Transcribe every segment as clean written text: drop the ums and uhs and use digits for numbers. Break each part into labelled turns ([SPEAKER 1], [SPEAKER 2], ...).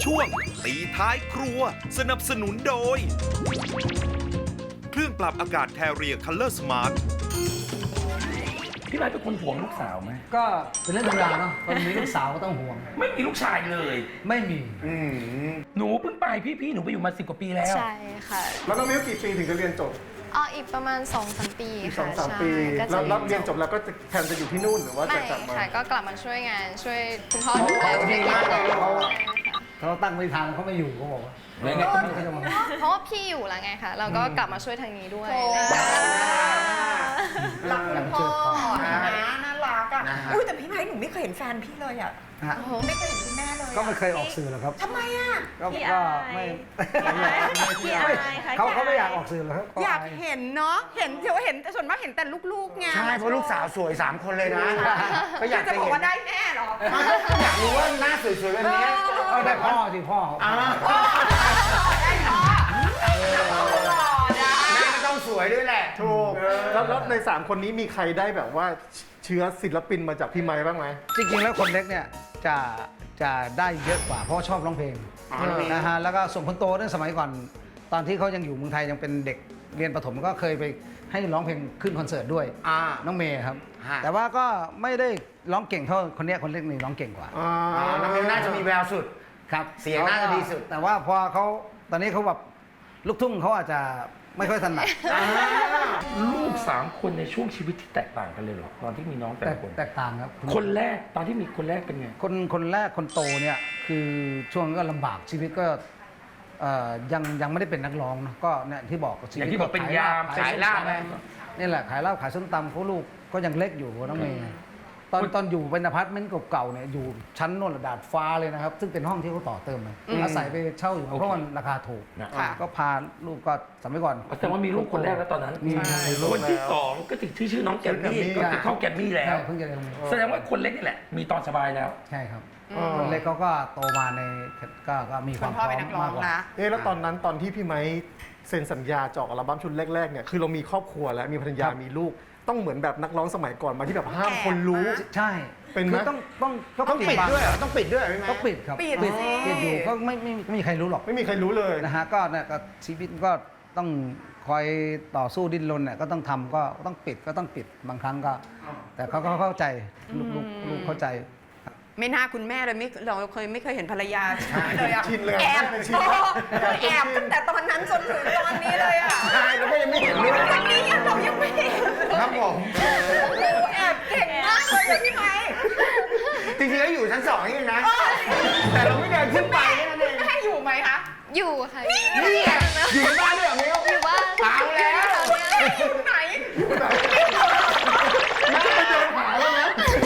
[SPEAKER 1] ช่วงตีท้ายครัวสนับสนุนโดย เครื่องปรับอากาศ Carrier Color Smart
[SPEAKER 2] พี่ไม้เป็นคนห่วงลูกสาวไหม
[SPEAKER 3] ก็เป็นเรื่องธรรมดาเนาะคนมีลูกสาวก็ต้องห่วง
[SPEAKER 2] ไม่มีลูกชายเลย
[SPEAKER 3] ไม่มี
[SPEAKER 2] หนูเพิ่งไปพี่หนูไปอยู่มา10 กว่าปีแล้ว
[SPEAKER 4] ใช่ค่ะ
[SPEAKER 5] แล้วน้องมิ้วกี่ปีถึงจะเรียนจบ
[SPEAKER 4] อีกประมาณ 2-3 ปี
[SPEAKER 5] อีก
[SPEAKER 4] ค่ะ
[SPEAKER 5] 2-3 ปี
[SPEAKER 4] ใช่ก็
[SPEAKER 5] แล้ว
[SPEAKER 4] จะ
[SPEAKER 5] รับเรียนจบแล้วก็จะแทนจะอยู่ที่นู่นหรือว่า
[SPEAKER 4] ไม่
[SPEAKER 5] จะกลับมา
[SPEAKER 4] ค่ะก็กลับมาช่วยงานช่วยคุณพ่อดูแล
[SPEAKER 3] ดีมากเลย
[SPEAKER 4] เขา
[SPEAKER 3] เขาตั้งไม่ทันเขาไม่อยู่เขาบอกว่า
[SPEAKER 2] แล้วไง
[SPEAKER 3] เขาจะมา
[SPEAKER 4] เพราะว่าพี่อยู่แล้วไงคะเราก็กลับมาช่วยทางนี้ด้วย
[SPEAKER 6] รักคุณพ่อ
[SPEAKER 3] นะ
[SPEAKER 6] น่ารักอ่ะอุ้ยแต่พี่ไม้หนูไม่เคยเห็นแฟนพี่เลยอ่ะ
[SPEAKER 3] ฮะ
[SPEAKER 6] ไม่เคยเห็นคุณแม่เลย
[SPEAKER 3] ก็ไม่เคยออกสื่อหรอกครับ
[SPEAKER 6] ทำไมอ่ะ
[SPEAKER 3] ก็
[SPEAKER 7] ขี้
[SPEAKER 3] ก็
[SPEAKER 7] อาย
[SPEAKER 3] ไม่
[SPEAKER 7] ขี้อายค่ะ
[SPEAKER 3] เขาไม่
[SPEAKER 7] ขี้อาย
[SPEAKER 3] อยากออกสื่อหรอกครับ
[SPEAKER 6] อยากเห็นเนาะเห็นส่วนมากเห็นแต่ลูกๆไง
[SPEAKER 8] ใช่เพราะลูกสาวสวย3 คนเลยนะ ก็อยาก
[SPEAKER 6] จะ
[SPEAKER 8] จะ
[SPEAKER 6] บอก
[SPEAKER 8] เห็น
[SPEAKER 6] ว่าได้แม่เหรอ
[SPEAKER 8] อยากรู้ว่าหน้าสวยๆแบบนี้
[SPEAKER 3] เอาได้พ่อสิพ่อ
[SPEAKER 6] ได้พ่อหล่อนะ
[SPEAKER 8] แม่ก็ต้องสวยด้วยแหละ
[SPEAKER 5] ถูกแล้วใน 3 คนนี้มีใครได้แบบว่าเชื้อศิลปินมาจากพี่ไม้บ้างไหม
[SPEAKER 3] จริงๆแล้วคนเล็กเนี่ยจะได้เยอะกว่าเพราะชอบร้องเพลง
[SPEAKER 8] อ๋อ
[SPEAKER 3] นะฮะแล้วก็ส่วนคนโตเนี่ยสมัยก่อนตอนที่เขายังอยู่เมืองไทยยังเป็นเด็กเรียนประถมก็เคยไปให้ร้องเพลงขึ้นคอนเสิร์ตด้วย น้องเมย์ครับ
[SPEAKER 8] ฮะ
[SPEAKER 3] แต่ว่าก็ไม่ได้ร้องเก่งเท่าคนเนี้ยคนเล็กนี่ร้องเก่งกว่า
[SPEAKER 8] อ๋อน้องมิวน่าจะมีแววสุด
[SPEAKER 3] ครับ
[SPEAKER 8] เสียงน่าจะดีสุด
[SPEAKER 3] แต่ว่าพอเขาตอนนี้เขาแบบลูกทุ่งเขาอาจจะไม่ค่อยถนัด
[SPEAKER 2] ลูก3 คนในช่วงชีวิตที่แตกต่างกันเลยเหรอตอนที่มีน้องแต่ละคน
[SPEAKER 3] แตกต่างครับ
[SPEAKER 2] คนแรกตอนที่มีคนแรกเป็นไง
[SPEAKER 3] คนแรกคนโตเนี่ยคือช่วงก็ลำบากชีวิตก็ยังไม่ได้เป็นนักร้องนะก็เนี่ยที่บอกชี
[SPEAKER 2] อ
[SPEAKER 3] วิต
[SPEAKER 2] ย่างที่บอกเป็นยาม
[SPEAKER 3] ขายลาบ
[SPEAKER 2] ขาย
[SPEAKER 3] นี่แหละขายลาบขายส้มตำเขาลูกก็ยังเล็กอยู่น้องเมย์ตอนอยู่เป็นอพาร์ตเมนต์เก่าๆเนี่ยอยู่ชั้นโน่นระดาดฟ้าเลยนะครับ ซึ่งเป็นห้องที่เขาต่อเติมเลยอาศัยไปเช่าอยู่เพราะมันราคาถูก
[SPEAKER 2] ค่ะ
[SPEAKER 3] ก็พาลูกก็สมัยก่อน
[SPEAKER 2] แสดงว่ามีลูกคนแรกแล้วตอนนั้น
[SPEAKER 3] มีลูก
[SPEAKER 2] คนที่2ก็ถึงชื่อน้องแกมมี่ก็คือเข้าแกมมี่แล้ว
[SPEAKER 3] ใช่เพิ่งจะเรียนโรงเรียน
[SPEAKER 2] แสดงว่าคนเล็กนี่แหละ มีตอนสบายแล้ว
[SPEAKER 3] ใช่ครับคนเล็กเขาก็โตมาในก็มีค
[SPEAKER 6] คุ
[SPEAKER 3] วาม
[SPEAKER 6] ณ
[SPEAKER 3] พ
[SPEAKER 6] พ่อ
[SPEAKER 3] ร้อ
[SPEAKER 6] เป็น
[SPEAKER 3] ม
[SPEAKER 6] นักร้อ
[SPEAKER 3] มาก
[SPEAKER 6] ง
[SPEAKER 3] กว่า
[SPEAKER 6] นะ
[SPEAKER 5] แล้วตอนนั้นตอนที่พี่ไม้เซ็นสัญญาจะออกอัลบั้มชุดแรกๆเนี่ยคือเรามีครอบครัวแล้วมีภรรยามีลูกต้องเหมือนแบบนักร้องสมัยก่อนมาที่แบบห้ามคนรู้
[SPEAKER 3] ใช่
[SPEAKER 5] เป็นไหม
[SPEAKER 3] คือต้อง
[SPEAKER 8] ปิด
[SPEAKER 3] บัง
[SPEAKER 8] ด้วยเหรอต้องปิดด้วยเหรอพี่ไม้
[SPEAKER 3] ต้องปิดครับ
[SPEAKER 6] ปิดสิ
[SPEAKER 3] ปิดอยู่ก็ไม่มีใครรู้หรอก
[SPEAKER 5] ไม่มีใครรู้เลย
[SPEAKER 3] นะฮะก็เนี่ยก็ชีวิตก็ต้องคอยต่อสู้ดิ้นรนเนี่ยก็ต้องทำก็ต้องปิดก็ต้องปิดบางครั้งก็ แต่เขาก็เข้าใจลูกเข้าใจ
[SPEAKER 6] ไม่น่าคุณแม่เลยเราไม่เคยเห็นภรรยาเลยอะ
[SPEAKER 5] ชินเลย
[SPEAKER 6] แอบ
[SPEAKER 5] ชินเลย
[SPEAKER 6] แอบตั้งแต่ตอนนั้นจนถึงตอนนี้เลยอ่ะ
[SPEAKER 8] ใช่เราก็ยังไม่เห็นเลย
[SPEAKER 6] วันนี้เรายังไม่เห็น
[SPEAKER 8] ครับผม
[SPEAKER 6] แอบเก่งมากเลยอะพี่ไม้
[SPEAKER 8] จริงๆแล้วอยู่ชั้น2นี่เองนะ แต่เราไม่เดินขึ้นไปแค่นั้นเอง
[SPEAKER 6] แม่อยู่ไหมคะ
[SPEAKER 4] อยู่ค่ะ
[SPEAKER 8] นี่ไงอยู่ในบ้านด้วยเหรอมิว
[SPEAKER 4] อยู่บ้าน
[SPEAKER 8] เอาแล้ว
[SPEAKER 6] อยู่ไหน
[SPEAKER 5] น่าจะเดินหาแล้วนะ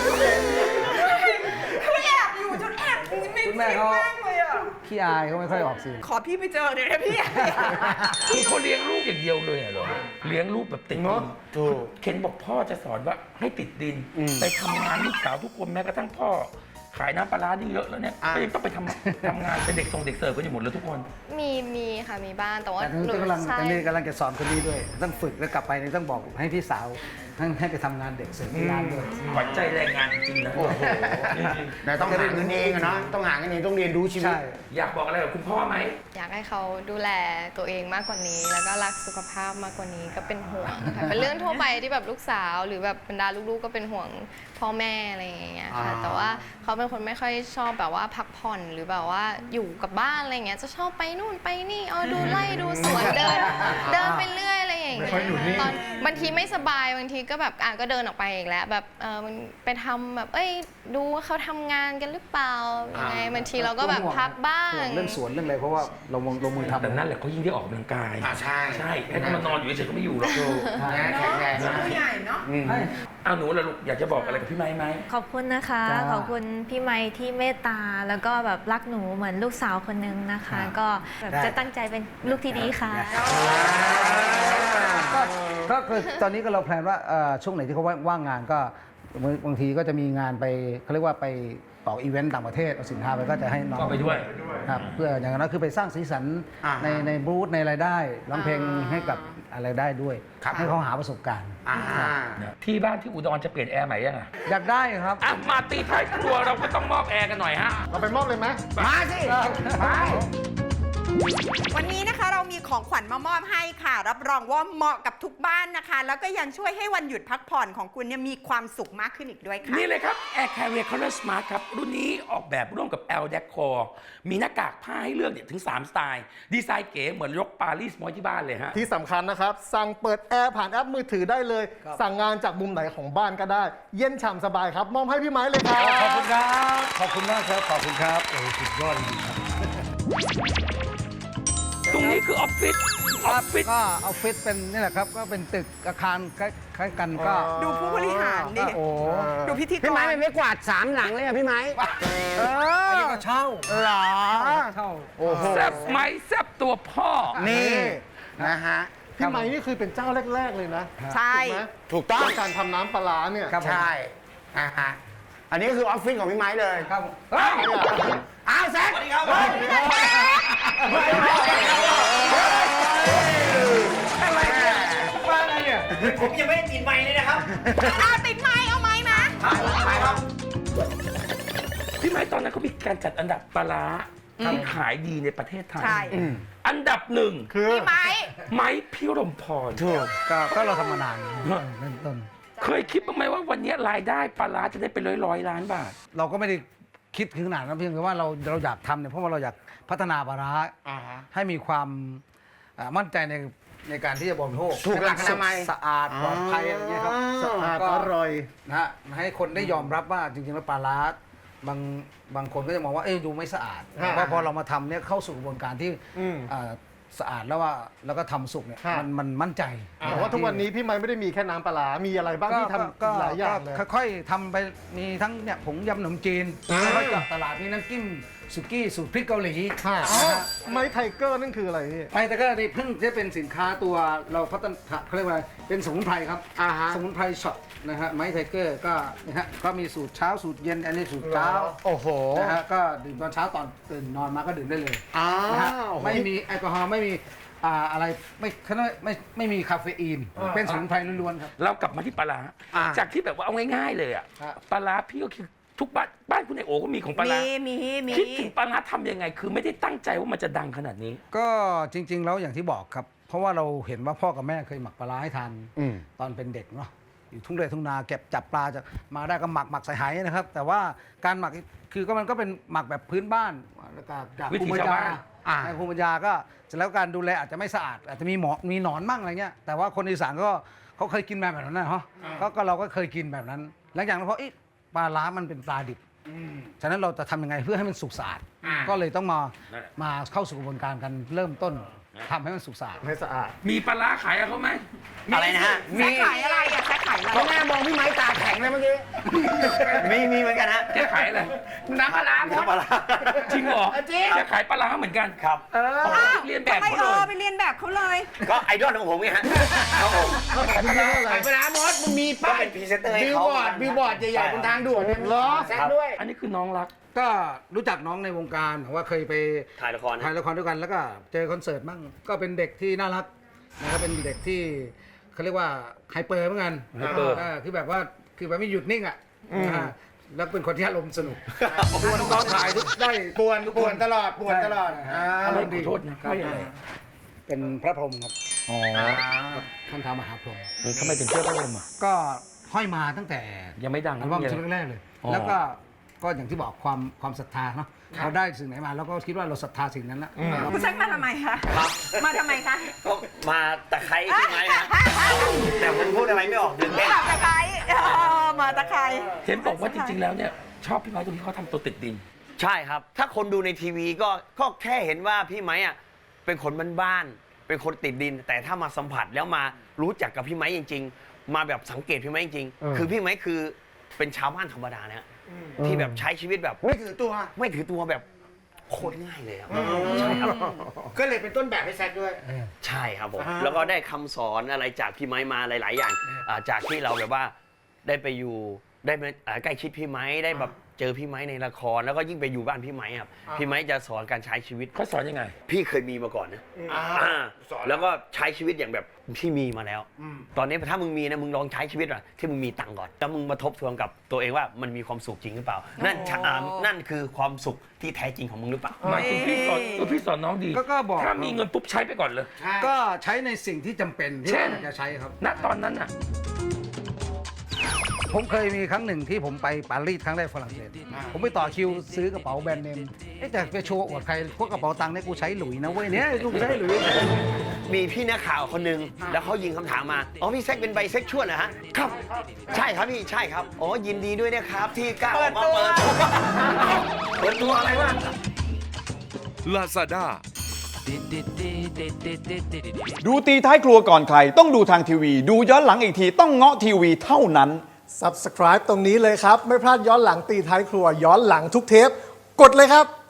[SPEAKER 6] คือแอบอยู่จนแอบไม่
[SPEAKER 3] คุณแม่
[SPEAKER 6] คิด
[SPEAKER 3] เขา
[SPEAKER 6] มากเลยอ่ะ
[SPEAKER 3] ขี้อายเขาไม่ค่อยออกสื่อ
[SPEAKER 6] ขอพี่ไปเจอเดี๋ยวนะพี่
[SPEAKER 2] คือเขาเลี้ยงลูกอย่างเดียวเลยเหรอเลี้ยงลูกแบบติดดิน
[SPEAKER 8] ถูก
[SPEAKER 2] เคนบอกพ่อจะสอนว่าให้ติดดิน ไปทำงานลูกสาวทุกคนแม้กระทั่งพ่อ ขายน้ำปลาร้านี่เยอะแล้วเนี่ยก็ยังต้องไปทำงานเป็นเด็กส่งเด็กเสิร์ฟกันอยู่หมดเลยทุกคน
[SPEAKER 4] มีค่ะมีบ้านแต่ว่า
[SPEAKER 3] แต่นี่กำลัง
[SPEAKER 4] ใช่
[SPEAKER 3] ตอนนี้กำลังจะสอนคนนี้ด้วย ต้องฝึกแล้วกลับไปนี่ต้องบอกให้พี่สาวให้ไปทำงานเด็กเสิร์ฟที่ร้านด้วย
[SPEAKER 2] ขวัญใจแรงงานจริงๆนะ
[SPEAKER 8] โอ้โห แต่ต้องหาเงินเองอะเนาะต้องหาเงินเองต้องเรียนรู้ชีวิต
[SPEAKER 3] ใช่
[SPEAKER 2] อยากบอกอะไรกับคุณพ่อไหม
[SPEAKER 4] อยากให้เขาดูแลตัวเองมากกว่านี้ แล้วก็รักสุขภาพมากกว่านี้ก็เป็นห่วงค่ะเป็นเรื่องทั่วไปที่แบบลูกสาวหรือแบบบรรดาลูกๆก็เป็นห่วงพ่อแม่อะไรอย่างเงี้ยค่ะแต่ว่าเขาเป็นคนไม่ค่อยชอบแบบว่าพักผ่อนหรือแบบว่าอยู่กับบ้านอะไรเงี้ยจะชอบไปนู่นไปนี่ดูไล่ดูสวนเดินไปเรื่อยอะไรอย่างเงี้ยตอนบางทีไม่สบายบางทีก็แบบก็เดินออกไปอีกแล้วแบบมันไปทำแบบดูว่าเขาทำงานกันหรือเปล่ายังไงบางทีเราก็แบบพักบ้าง
[SPEAKER 3] ห่วงเรื่องสวนเรื่องอะไรเพราะว่าเราลงมือทำ
[SPEAKER 2] แต่นั่นแหละเขายิ่งได้ออกกำลังกาย
[SPEAKER 8] ใช่
[SPEAKER 2] ใช่ให้เขามานอนอยู่เฉยๆก็ไม่อยู่หรอก
[SPEAKER 8] นะแข็งแรงมาก
[SPEAKER 6] ผู้ใหญ่เนาะ
[SPEAKER 2] เอาหนูละลูกอยากจะบอกอะไรกับพี่ไม้ไหม
[SPEAKER 7] ขอบคุณนะคะ
[SPEAKER 3] จ้า
[SPEAKER 7] ขอบคุณพี่ไมค์ที่เมตตา แล้วก็แบบรักหนูเหมือนลูกสาวคนนึงนะคะ ก็แบบจะตั้งใจเป็นลูกที่ดีค่ะ
[SPEAKER 3] ก็คือตอนนี้ก็เราแพลนว่าช่วงไหนที่เขาว่างงานก็บางทีก็จะมีงานไปเขาเรียกว่าไปออกอีเวนต์ต่างประเทศเอาสินค้าไปก็จะให้น้อง
[SPEAKER 2] ก็ไปด้วย
[SPEAKER 3] ครับเพื่ออย่างนั้นคือไปสร้างสีสันในบูธในรายได้ร้องเพลงให้กับอะไรได้ด้วย ให้เขาหาประสบการณ์
[SPEAKER 2] ที่บ้านที่อุดรจะเปลี่ยนแอร์ใหม่ยังไง
[SPEAKER 3] อยากได้ครับ
[SPEAKER 2] อ่ะมาตีท้ายครัวเราก็ต้องมอบแอร์กันหน่อยฮะ
[SPEAKER 5] เราไปมอบเลยไหม
[SPEAKER 8] มาสิมา
[SPEAKER 6] วันนี้นะคะเรามีของขวัญมามอบให้ค่ะ รับรองว่าเหมาะกับทุกบ้านนะคะ แล้วก็ยังช่วยให้วันหยุดพักผ่อนของคุณเนี่ยมีความสุขมากขึ้นอีกด้วยค่ะ
[SPEAKER 2] นี่เลยครับ Air Carrier Color Smart ครับ รุ่นนี้ออกแบบร่วมกับ L Decor มีหน้ากากผ้าให้เลือกเนี่ยถึง 3 สไตล์ ดีไซน์เก๋เหมือนยกปารีสมาไว้ที่บ้านเลยฮะ
[SPEAKER 5] ที่สำคัญนะครับ สั่งเปิดแอร์ผ่านแอปมือถือได้เลย สั่งงานจากมุมไหนของบ้านก็ได้ เย็นฉ่ำสบายครับ มอบให้พี่ไม้เลยครับ
[SPEAKER 3] ขอบคุณครับ ขอบคุณมากครับ ขอบคุณครับ โอ้สุดยอดจริงๆครับ
[SPEAKER 2] ตรงนี้คือออฟฟิศ
[SPEAKER 3] ก็ออฟฟิศเป็นนี่แหละครับ ก็เป็นตึกอาคารคล้ายๆกันก็
[SPEAKER 6] ดูผู้บริหารดิ
[SPEAKER 3] โอ้
[SPEAKER 6] ดูพิธีก
[SPEAKER 8] พี่ไม้
[SPEAKER 6] ร
[SPEAKER 8] เป็นไม่กวาด3 หลังเลยอะพี่ไม้
[SPEAKER 3] อันนี้ก็เช่า
[SPEAKER 8] เหรอ
[SPEAKER 3] เช่า
[SPEAKER 8] โอ้โห
[SPEAKER 2] แซบไหมแซบตัวพ่อ
[SPEAKER 8] นี่นะฮะ
[SPEAKER 5] พี่ไม้นี่คือเป็นเจ้าแรก ๆ เลยนะ
[SPEAKER 6] ใช่
[SPEAKER 5] ถูกไหม
[SPEAKER 8] ถูกต้อง
[SPEAKER 5] ในการทำน้ำปลาร้าเนี่ย
[SPEAKER 3] ครับผม
[SPEAKER 8] ใช่ฮะอันนี้ก็คือออฟฟิศของพี่ไม้เลย
[SPEAKER 3] ครับผมเฮ้ย
[SPEAKER 8] อ้าวแซคสวัสดีครับอะไรเนี่ยมาอะไรเนี่ย
[SPEAKER 9] ผมยังไม่ได้ติดไมค์เลยนะครับ
[SPEAKER 6] ติดไม้เอาไม้มา
[SPEAKER 2] พี่ไม้ตอนนั้นเขามีการจัดอันดับปลาร้าที่ขายดีในประเทศไทย
[SPEAKER 6] ใช่
[SPEAKER 2] อันดับหนึ่ง
[SPEAKER 5] คือ
[SPEAKER 6] พี่ไม้
[SPEAKER 2] ไม้พิรมพร
[SPEAKER 3] ถูกก็เราทำมานานเริ่มต้น
[SPEAKER 2] เคยคิดบ้างไหมว่าวันนี้รายได้ปลาร้าจะได้เป็นร้อยล้านบาท
[SPEAKER 3] เราก็ไม่ได้คิดถึงขนาดนั้นเพียงแต่ว่าเราอยากทำเนี่ยเพราะว่าเราอยากพัฒนาปลาร้าให้มีความมั่นใจในการที่จะบริโภค
[SPEAKER 8] ถูกหลักอนามัย
[SPEAKER 3] สะอาดปลอดภัยอะไรอย่างเงี้ยครับ
[SPEAKER 5] สะอาด
[SPEAKER 3] ก็
[SPEAKER 5] อร่อย
[SPEAKER 3] นะฮะให้คนได้ยอมรับว่าจริงๆแล้วปลาร้าบางคนก็จะมองว่าดูไม่สะอาด
[SPEAKER 5] ฮะ
[SPEAKER 3] เพราะพอเรามาทำเนี่ยเข้าสู่กระบวนการที่
[SPEAKER 5] อืม
[SPEAKER 3] สะอาดแล้วก็ทำสุกเนี่ย
[SPEAKER 5] ฮะ
[SPEAKER 3] มันมั่นใจ
[SPEAKER 5] แต่ว่าทุกวันนี้พี่ไม้ไม่ได้มีแค่น้ำปลาร้ามีอะไรบ้างที่ทำหลายอย่างเลย
[SPEAKER 3] ค่อยๆทำไปมีทั้งเนี่ยผงยำขนมจีนแล้วก็เจาะตลาดมีน้ำจิ้มสุกี้สูตรพริกเกาหลี
[SPEAKER 5] ค่ะไม้ไทเกอร์นั่นคืออะไรพี่
[SPEAKER 3] ไม่แต่ก็นี่เพิ่งจะเป็นสินค้าตัวเราพัฒนาเขาเรียกว่าเป็นสมุนไพรครับสมุนไพรช็อตนะฮะไม้ไทเกอร์ก็นะฮะก็มีสูตรเช้าสูตรเย็นอันนี้สูตรเช้า
[SPEAKER 8] โอ้โห
[SPEAKER 3] นะฮะก็ดื่มตอนเช้าตอนตื่นนอนมาก็ดื่มได้เลย
[SPEAKER 8] อ้า
[SPEAKER 3] นะฮะ
[SPEAKER 8] ว
[SPEAKER 3] ไม่มีแอลกอฮอล์ไม่มีอะไรไม่มีคาเฟอีนเป็นสมุนไพรล้วนๆครับ
[SPEAKER 2] เรากลับมาที่ปลาร้าจากที่แบบว่าเอาง่ายๆเลยอะ
[SPEAKER 3] ครับ
[SPEAKER 2] ปลาร้าพี่ก็คือทุกบ้านคุณไอโอก็มีของปลาร้า
[SPEAKER 6] มี
[SPEAKER 2] คิดถึงปลาร้าทำยังไง คือไม่ได้ตั้งใจว่ามันจะดังขนาดนี้
[SPEAKER 3] ก็จริงๆแล้วอย่างที่บอกครับ เพราะว่าเราเห็นว่าพ่อกับแม่เคยหมักปลาร้าให้ทานตอนเป็นเด็กเนาะอยู่ทุ่งไร่ทุ่งนาเก็บจับปลาจากมาได้ก็หมักใส่ไหนะครับ แต่ว่าการหมักคือก็มันก็เป็นหมักแบบพื้นบ้านแล้วก็จาก
[SPEAKER 2] วิถี
[SPEAKER 3] ภูมิปัญ
[SPEAKER 2] ชาว
[SPEAKER 3] ญา
[SPEAKER 2] บ้าน
[SPEAKER 3] ในภูมิปัญญาก็เสร็จแล้วการดูแลอาจจะไม่สะอาด อาจจะมีมีหนอนมั่งอะไรเงี้ยแต่ว่าคนอีสานก็เขาเคยกินแบบนั้นนะฮะก็เราก็เคยกินแบบนั้น หลังจากนั้นเพราะปลาร้ามันเป็นปลาดิบฉะนั้นเราจะทำยังไงเพื่อให้มันสุกสะอาดก็เลยต้องมาเข้าสู่กระบวนการกันเริ่มต้นทำให้มันสุกสะอาด
[SPEAKER 5] ให้สะอาด
[SPEAKER 2] มีปลาร้าขายกับเขาไหม
[SPEAKER 9] อะไรนะฮะ
[SPEAKER 6] แซคขายอะไรอะแซคขายอะไร
[SPEAKER 8] เขาแม่มองพี่ไม้ตาแข็งเลยเมื่อกี้
[SPEAKER 9] มีเหมือนกันฮะ
[SPEAKER 2] แกขายอะไร
[SPEAKER 8] น้ำปลาร้าหมด
[SPEAKER 9] น้ำปลาร้า
[SPEAKER 2] จริงเหรอ
[SPEAKER 8] จริง
[SPEAKER 2] แกขายปลาร้าเหมือนกัน
[SPEAKER 9] ครับ
[SPEAKER 2] เรียนแบบ
[SPEAKER 6] ทำไม
[SPEAKER 2] เขาเลย
[SPEAKER 6] ไปเรียนแบบเขาเลย
[SPEAKER 9] ก็ไอดอลของผมไงฮะครับผม
[SPEAKER 5] เขาขายปลาร้าอะไร
[SPEAKER 8] ขายปลาร้าหมดมึงมีป้าย
[SPEAKER 9] ก็เป็นพรีเซนเตอร์ให้
[SPEAKER 8] บิล
[SPEAKER 9] เขา
[SPEAKER 8] บอร์ดบิลบอร์ดใหญ่ๆบนทางด่วนเนี่ย
[SPEAKER 5] เหรอ
[SPEAKER 8] แซคด้วย
[SPEAKER 2] อันนี้คือน้องรัก
[SPEAKER 3] ก็รู้จักน้องในวงการว่าเคยไป
[SPEAKER 9] ถ่ายละคร
[SPEAKER 3] ถ่ายละครด้วยกันแล้วก็เจอคอนเสิร์ตบ้างก็เป็นเด็กที่น่ารักนะครับเป็นเด็กที่เขาเรียกว่าไฮเปอร์เหมือนกัน
[SPEAKER 2] ไฮเปอร์
[SPEAKER 3] คือแบบว่าคือแบบไม่หยุดนิ่งอ่ะนะฮะแล้วเป็นคนที่อารมณ์สนุกกวนตอนถ่ายทุกได้
[SPEAKER 8] ป่วนตลอดป่วนตลอด
[SPEAKER 2] อารมณ์ขอโทษนะ
[SPEAKER 3] ครั
[SPEAKER 2] ไม่อะไร
[SPEAKER 3] เป็นพระพรหมครับท่านท้าวมหาพรหม
[SPEAKER 2] ทำไมถึงเชื่อพระลมอ่ะ
[SPEAKER 3] ก็ห้อยมาตั้งแต่
[SPEAKER 2] ยังไม่ดัง
[SPEAKER 3] อัลบั้ม
[SPEAKER 2] นะ
[SPEAKER 3] ชุดแรกๆเลย
[SPEAKER 2] อ๋อ
[SPEAKER 3] แล้วก็อย่างที่บอกความศรัทธาเนาะเราได้สิ่งไหนมาเราก็คิดว่าเราศรัทธาสิ่งนั้นนะ
[SPEAKER 6] คุณแซคมาทำไมคะ มาทำไมคะ
[SPEAKER 9] ก็มาตะไคร้ที่ไม้นะแต่ผมพูดอะไรไม่ออกตื่นเต้น
[SPEAKER 6] มาตะไคร้มาตะไคร้
[SPEAKER 2] เห็นบอกว่าจริงๆแล้วเนี่ยชอบพี่ไม้ตรงที่เขาทำตัวติดดิน
[SPEAKER 9] ใช่ครับ ถ้าคนดูในทีวีก็แค่เห็นว่าพี่ไม้อะเป็นคนบ้านๆเป็นคนติดดิน แต่ถ้ามาสัมผัสแล้วมารู้จักกับพี่ไม้จริง ๆ มาแบบสังเกตพี่ไม้จริงๆคือพี่ไม้คือเป็นชาวบ้านธรรมดานะฮะที่แบบใช้ชีวิตแบบ
[SPEAKER 8] ไม่ถือตัว
[SPEAKER 9] ไม่ถือตัวแบบโคตรง่ายเลยครับใช่ครับ
[SPEAKER 8] ก็เลยเป็นต้นแบบให้แซคด้วย
[SPEAKER 9] ใช่ครับผมแล้วก็ได้คำสอนอะไรจากพี่ไม้มาหลาย ๆ อย่างจากที่เราแบบว่าได้ไปอยู่ได้มาใกล้ชิดพี่ไม้ได้แบบเจอพี่ไม้ในละครแล้วก็ยิ่งไปอยู่บ้านพี่ไม้ครับพี่ไม้จะสอนการใช้ชีวิต
[SPEAKER 2] เขาสอนยังไง
[SPEAKER 9] พี่เคยมีมาก่อนนะแล้วก็ใช้ชีวิตอย่างแบบที่มีมาแล้ว ตอนนี้ถ้ามึงมีนะมึงลองใช้ชีวิตอะที่มึงมีตังค์ก่อนแล้วมึงมาทบทวนกับตัวเองว่ามันมีความสุขจริงหรือเปล่า นั่นคือความสุขที่แท้จริงของมึงหรือเปล่า
[SPEAKER 2] หมายถึงพี่สอนน้องดี
[SPEAKER 3] ก็บอก
[SPEAKER 2] ถ้ามีเงินปุ๊บใช้ไปก่อนเลย
[SPEAKER 3] ก็ใช้ในสิ่งที่จำเป็นที่
[SPEAKER 2] เช่น
[SPEAKER 3] เราจะใช้ครับ
[SPEAKER 2] ณตอนนั้นน่ะ
[SPEAKER 3] ผมเคยมีครั้งหนึ่งที่ผมไปปารีสครั้งแรกฝรั่งเศสผมไปต่อคิวซื้อกระเป๋าแบรนด์เนมแต่ไปโชว์อวดใครพวกกระเป๋าตังค์เนี่ยกูใช้หลุยนะเว้ยเนี่ยกูใช้หลุย
[SPEAKER 9] มีพี่นักข่าวคนหนึ่งแล้วเขายิงคำถามมาอ๋อพี่แซคเป็นไบเซ็กชวลนะฮะครับใช่ครับพี่ใช่ครับอ๋อยินดีด้วยนะครับที่กล้าออกมาเปิดตัวอะไรวะ
[SPEAKER 1] Lazada
[SPEAKER 10] ดูตีท้ายครัวก่อนใครต้องดูทางทีวี ดูย้อนหลังอีกทีต้องเงาะทีวีเท่านั้น
[SPEAKER 5] Subscribe ตรงนี้เลยครับ ไม่พลาดย้อนหลังตีท้ายครัวย้อนหลังทุกเทป กดเลยครับ